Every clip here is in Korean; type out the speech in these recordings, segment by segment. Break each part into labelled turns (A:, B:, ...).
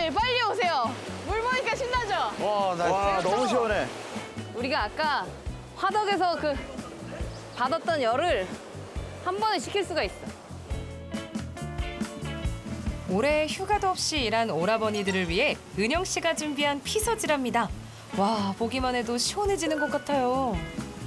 A: 오라버니들 빨리 오세요. 물 보니까 신나죠?
B: 와, 너무 시원해.
A: 우리가 아까 화덕에서 그 받았던 열을 한 번에 식힐 수가 있어.
C: 올해 휴가도 없이 일한 오라버니들을 위해 은영 씨가 준비한 피서지랍니다. 와, 보기만 해도 시원해지는 것 같아요.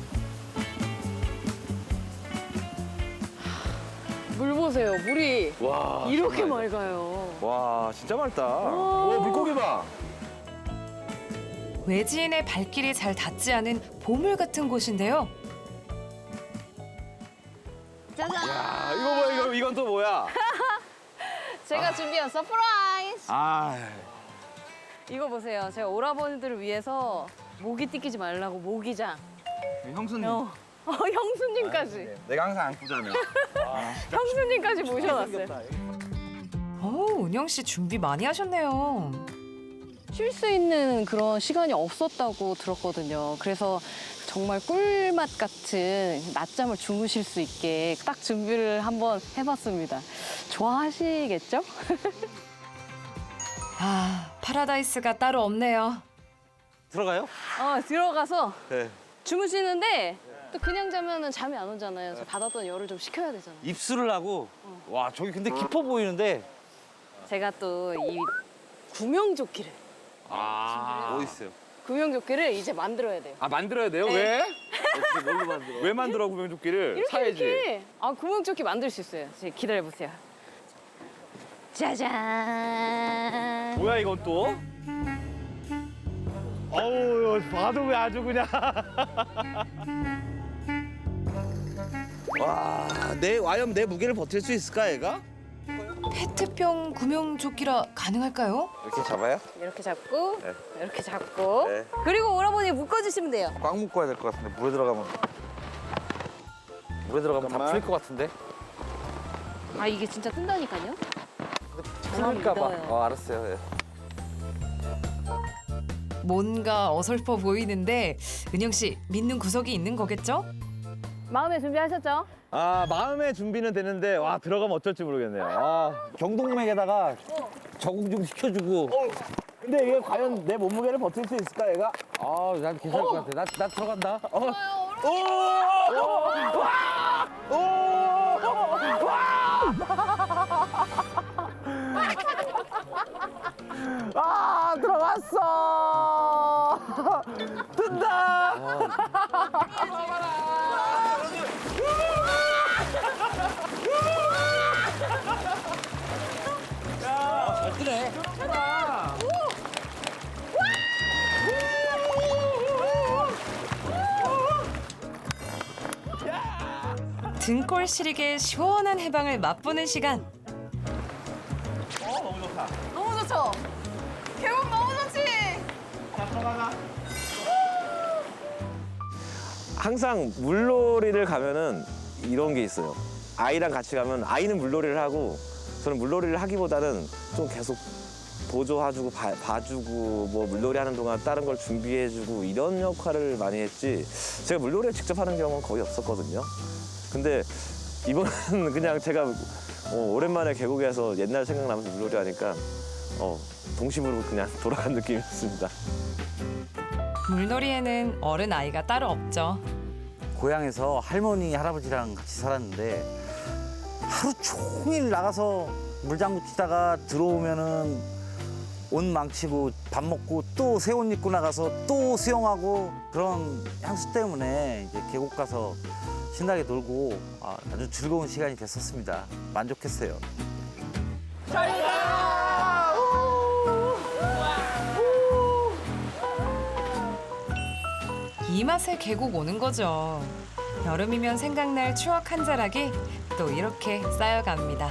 A: 물 보세요. 물이
B: 와,
A: 이렇게
B: 장난 아니다.
A: 맑아요.
B: 와, 진짜 맑다. 오, 물고기 봐.
C: 외지인의 발길이 잘 닿지 않은 보물 같은 곳인데요.
A: 짜잔!
B: 야, 이거 뭐야, 이건 또 뭐야?
A: 제가 준비한 서프라이즈!
B: 아,
A: 이거 보세요. 제가 오라버니들을 위해서 모기 띠끼지 말라고 모기장.
B: 형수님.
A: 형수님까지.
B: 내가 항상 안꾸잖아.
A: 형수님까지 모셔놨어요.
C: 은영 씨 준비 많이 하셨네요.
A: 쉴 수 있는 그런 시간이 없었다고 들었거든요. 그래서 정말 꿀맛 같은 낮잠을 주무실 수 있게 딱 준비를 한번 해봤습니다. 좋아하시겠죠?
C: 아, 파라다이스가 따로 없네요.
B: 들어가요?
A: 들어가서
B: 네.
A: 주무시는데 또 그냥 자면은 잠이 안 오잖아요. 그래서 받았던 열을 좀 식혀야 되잖아요.
B: 입술을 하고. 와, 저기 근데 깊어 보이는데.
A: 제가 또 이 구명조끼를
B: 어디 있어요?
A: 구명조끼를 이제 만들어야 돼요.
B: 아, 만들어야 돼요?
A: 네.
B: 왜? 뭘로 만들어? 왜 만들어, 구명조끼를? 사야지.
A: 이렇게. 구명조끼 만들 수 있어요. 기다려보세요. 짜잔.
B: 뭐야, 이건 또? 어우, 봐도 왜 아주 그냥. 와, 과연 내 무게를 버틸 수 있을까, 얘가?
C: 페트병 구명조끼라 가능할까요?
B: 이렇게 잡아요?
A: 이렇게 잡고,
B: 네.
A: 이렇게 잡고.
B: 네.
A: 그리고 오라버니 묶어주시면 돼요.
B: 꽉 묶어야 될 것 같은데, 물에 들어가면 다 풀릴 것 같은데?
A: 이게 진짜 뜬다니까요?
B: 풀릴까 봐.
A: 믿어요.
B: 알았어요. 예.
C: 뭔가 어설퍼 보이는데 은영 씨 믿는 구석이 있는 거겠죠?
A: 마음에 준비하셨죠?
B: 마음의 준비는 되는데, 와, 들어가면 어쩔지 모르겠네요. 경동맥에다가 적응 좀 시켜주고. 근데 이게 과연 내 몸무게를 버틸 수 있을까, 얘가? 난 괜찮을 것 같아. 나 들어간다. 들어갔어! 뜬다! 잘 뜨네.
C: 등골 시리게 시원한 해방을 맛보는 시간.
B: 너무 좋다.
A: 너무 좋죠? 계곡 너무 좋지?
D: 항상 물놀이를 가면은 이런 게 있어요. 아이랑 같이 가면 아이는 물놀이를 하고 저는 물놀이를 하기보다는 좀 계속 보조해주고 봐주고 뭐 물놀이 하는 동안 다른 걸 준비해주고 이런 역할을 많이 했지 제가 물놀이를 직접 하는 경우는 거의 없었거든요. 근데 이번은 그냥 제가 오랜만에 계곡에서 옛날 생각나면서 물놀이 하니까 동심으로 그냥 돌아간 느낌이었습니다.
C: 물놀이에는 어른 아이가 따로 없죠.
E: 고향에서 할머니, 할아버지랑 같이 살았는데 하루 종일 나가서 물장구 치다가 들어오면은 옷 망치고 밥 먹고 또 새 옷 입고 나가서 또 수영하고 그런 향수 때문에 이제 계곡 가서 신나게 놀고 아주 즐거운 시간이 됐었습니다. 만족했어요.
C: 이 맛에 계곡 오는 거죠. 여름이면 생각날 추억 한 자락이 또 이렇게 쌓여갑니다.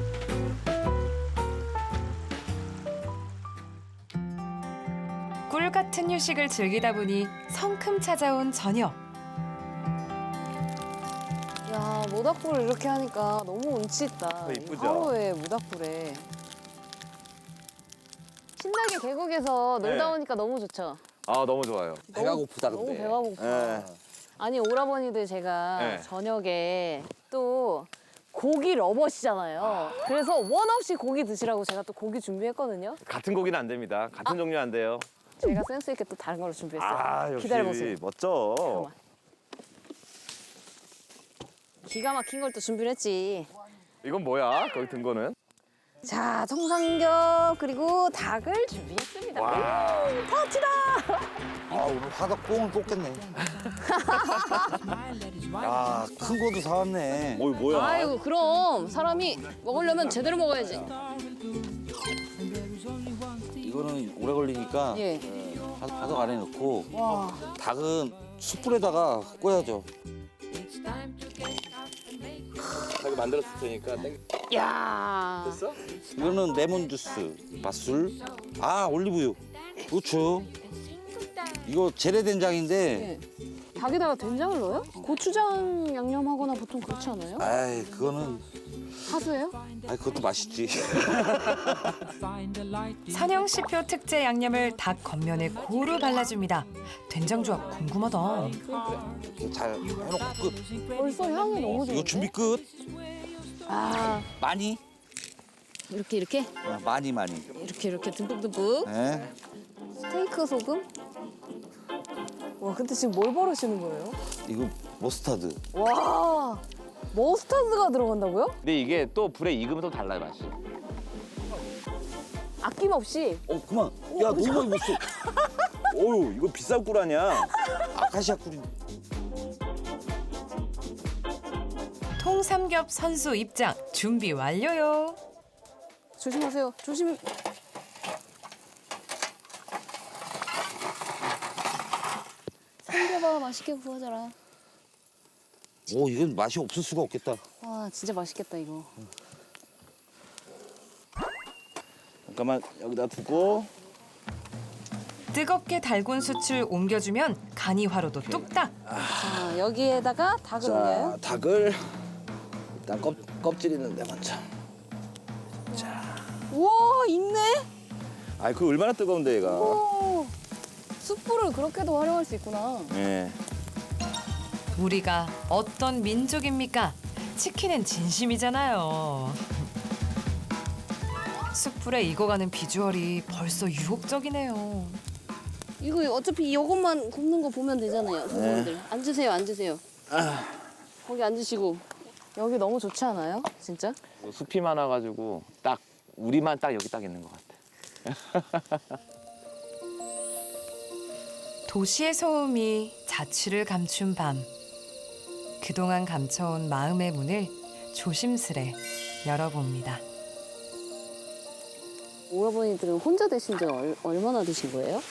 C: 꿀 같은 휴식을 즐기다 보니 성큼 찾아온 저녁.
A: 야, 모닥불을 이렇게 하니까 너무 운치 있다.
D: 이쁘죠?
A: 하루에 모닥불에. 신나게 계곡에서 놀다
D: 네.
A: 오니까 너무 좋죠?
D: 너무 좋아요.
E: 배가 고프다
A: 너무
E: 근데.
A: 배가 고파.
D: 네.
A: 아니, 오라버니들 제가
D: 네.
A: 저녁에 또 고기 러버시잖아요. 그래서 원 없이 고기 드시라고 제가 또 고기 준비했거든요.
D: 같은 고기는 안 됩니다. 같은 종류 안 돼요.
A: 제가 센스 있게 또 다른 걸로 준비했어요.
D: 아, 역시
A: 기다려보세요.
D: 멋져.
A: 잠깐만. 기가 막힌 걸 또 준비를 했지.
D: 이건 뭐야? 거기 든 거는?
A: 자, 청삼겹 그리고 닭을 준비했습니다. 터치다!
E: 아 오늘 화덕 꽁을 뽑겠네. 아 큰 거도 사왔네.
D: 뭐야?
A: 아이고 그럼 사람이 먹으려면 제대로 먹어야지.
E: 이거는 오래 걸리니까
A: 예.
E: 화덕 안에 넣고
A: 와.
E: 닭은 숯불에다가 구워야죠.
D: 자기 만들었을 테니까
A: 야.
D: 됐어?
E: 이거는 레몬 주스, 맛술, 아 올리브유, 후추. 이거 재래 된장인데,
A: 예. 닭에다가 된장을 넣어요? 고추장 양념하거나 보통 그렇지 않아요?
E: 아이 그거는,
A: 하수예요?
E: 아 그것도 맛있지.
C: 선영시표 특제 양념을 닭 겉면에 고루 발라줍니다. 된장 조합 궁금하다.
E: 잘 해놓고 끝.
A: 벌써 향이 너무 좋은데?
E: 이거 준비 끝.
A: 아,
E: 많이,
A: 이렇게
E: 많이.
A: 이렇게 듬뿍듬뿍.
E: 네.
A: 스테이크 소금? 와, 근데 지금 뭘 버르시는 거예요?
E: 이거 머스타드.
A: 와, 머스타드가 들어간다고요?
D: 근데 이게 또 불에 익으면 또 달라요, 맛이.
A: 아낌없이.
E: 그만. 야 너무 많이 먹었어.
D: 어유, 이거 비싼 꿀 아니야?
E: 아카시아 꿀이.
C: 통삼겹 선수 입장 준비 완료요.
A: 조심하세요. 조심히. 삼겹아 맛있게 구워져라.
E: 오 이건 맛이 없을 수가 없겠다.
A: 와, 진짜 맛있겠다 이거.
D: 잠깐만 여기다 두고.
C: 뜨겁게 달군 숯을 옮겨주면 간이 화로도 뚝딱.
A: 자, 여기에다가 닭을 올려요.
D: 닭을 일단 껍질 있는데 먼저.
A: 우와, 있네.
D: 아이, 그 얼마나 뜨거운데 얘가.
A: 오, 숯불을 그렇게도 활용할 수 있구나.
D: 예.
C: 우리가 어떤 민족입니까? 치킨은 진심이잖아요. 숯불에 익어가는 비주얼이 벌써 유혹적이네요.
A: 이거 어차피 이것만 굽는 거 보면 되잖아요, 선생님들. 앉으세요, 앉으세요. 거기 앉으시고. 여기 너무 좋지 않아요? 진짜?
D: 숲이 많아가지고 딱 우리만 딱 여기 딱 있는 것 같아.
C: 도시의 소음이 자취를 감춘 밤. 그동안 감춰온 마음의 문을 조심스레 열어봅니다.
A: 오라버니들은 혼자 되신 지 얼마나 되신 거예요?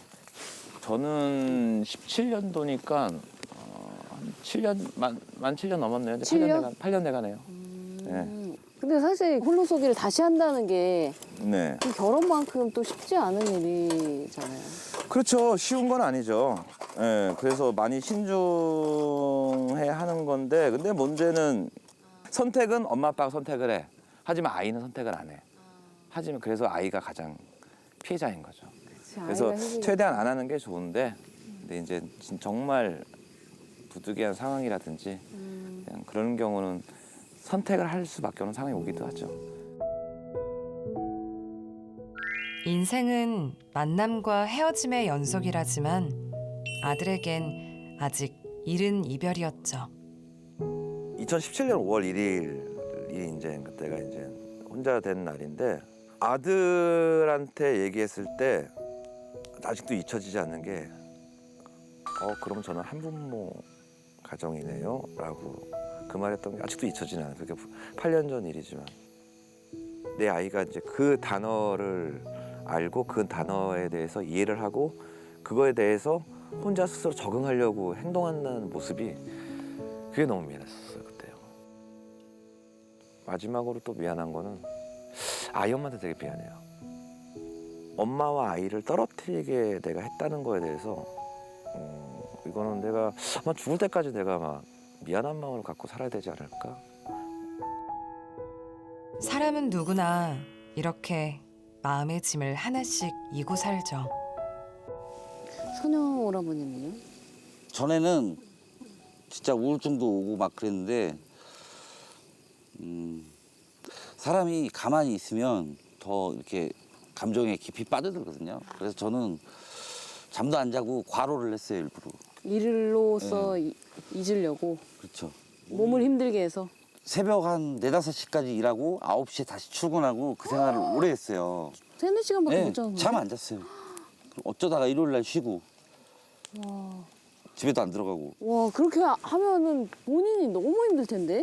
D: 저는 17년도니까 한 7년 만 7년 넘었네요. 이제
A: 7년?
D: 8년 돼가네요.
A: 근데 사실 홀로서기를 다시 한다는 게
D: 네.
A: 그 결혼만큼 또 쉽지 않은 일이잖아요.
D: 그렇죠. 쉬운 건 아니죠. 예, 그래서 많이 신중해야 하는 건데, 근데 문제는 선택은 엄마 아빠가 선택을 해. 하지만 아이는 선택을 안 해. 하지만 그래서 아이가 가장 피해자인 거죠. 그래서 최대한 안 하는 게 좋은데, 근데 이제 정말 부득이한 상황이라든지 그냥 그런 경우는 선택을 할 수밖에 없는 상황이 오기도 하죠.
C: 인생은 만남과 헤어짐의 연속이라지만 아들에겐 아직 이른 이별이었죠.
D: 2017년 5월 1일이 이제 그때가 이제 혼자 된 날인데, 아들한테 얘기했을 때 아직도 잊혀지지 않는 게, 그럼 저는 한부모 가정이네요 라고 그 말했던 게 아직도 잊혀지지 않아요. 그게 8년 전 일이지만 내 아이가 이제 그 단어를 알고 그 단어에 대해서 이해를 하고 그거에 대해서 혼자 스스로 적응하려고 행동하는 모습이, 그게 너무 미안했었어요 그때요. 마지막으로 또 미안한 거는 아이 엄마한테 되게 미안해요. 엄마와 아이를 떨어뜨리게 내가 했다는 거에 대해서 이거는 내가 아마 죽을 때까지 내가 막 미안한 마음을 갖고 살아야 되지 않을까?
C: 사람은 누구나 이렇게 마음의 짐을 하나씩 이고 살죠.
A: 선영 오라버니는요?
E: 전에는 진짜 우울증도 오고 막 그랬는데 사람이 가만히 있으면 더 이렇게 감정에 깊이 빠져들거든요. 그래서 저는 잠도 안 자고 과로를 했어요, 일부러.
A: 일로서 잊으려고
E: 그렇죠.
A: 몸을 힘들게 해서.
E: 새벽 한 4, 5시까지 일하고 9시에 다시 출근하고 그 생활을 오래 했어요.
A: 3, 4시간밖에
E: 네,
A: 못 자는
E: 잠
A: 거예요?
E: 안 잤어요. 어쩌다가 일요일 날 쉬고 집에도 안 들어가고.
A: 와, 그렇게 하면은 본인이 너무 힘들 텐데?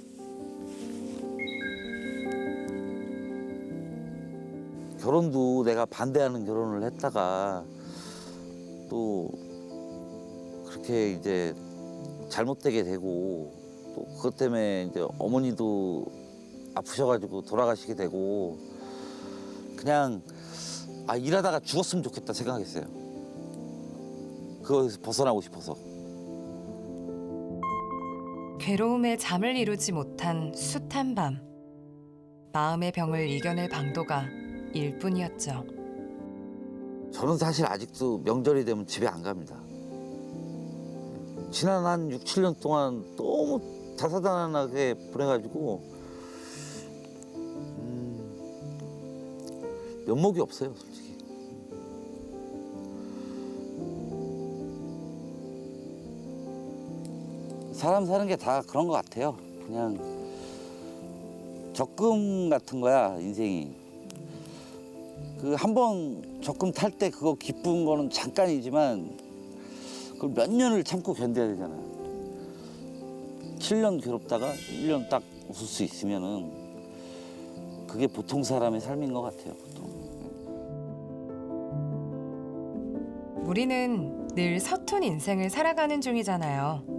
E: 결혼도 내가 반대하는 결혼을 했다가 또 그렇게 이제 잘못되게 되고 또 그것 때문에 이제 어머니도 아프셔가지고 돌아가시게 되고 그냥 일하다가 죽었으면 좋겠다 생각했어요. 그거에서 벗어나고 싶어서.
C: 괴로움에 잠을 이루지 못한 숱한 밤. 마음의 병을 이겨낼 방도가 일뿐이었죠.
E: 저는 사실 아직도 명절이 되면 집에 안 갑니다. 지난 한 6, 7년 동안 너무 다사다난하게 보내가지고 면목이 없어요, 솔직히. 사람 사는 게 다 그런 것 같아요. 그냥 적금 같은 거야, 인생이. 그 한 번 적금 탈 때 그거 기쁜 거는 잠깐이지만 그걸 몇 년을 참고 견뎌야 되잖아요. 7년 괴롭다가 1년 딱 웃을 수 있으면은 그게 보통 사람의 삶인 것 같아요, 보통.
C: 우리는 늘 서툰 인생을 살아가는 중이잖아요.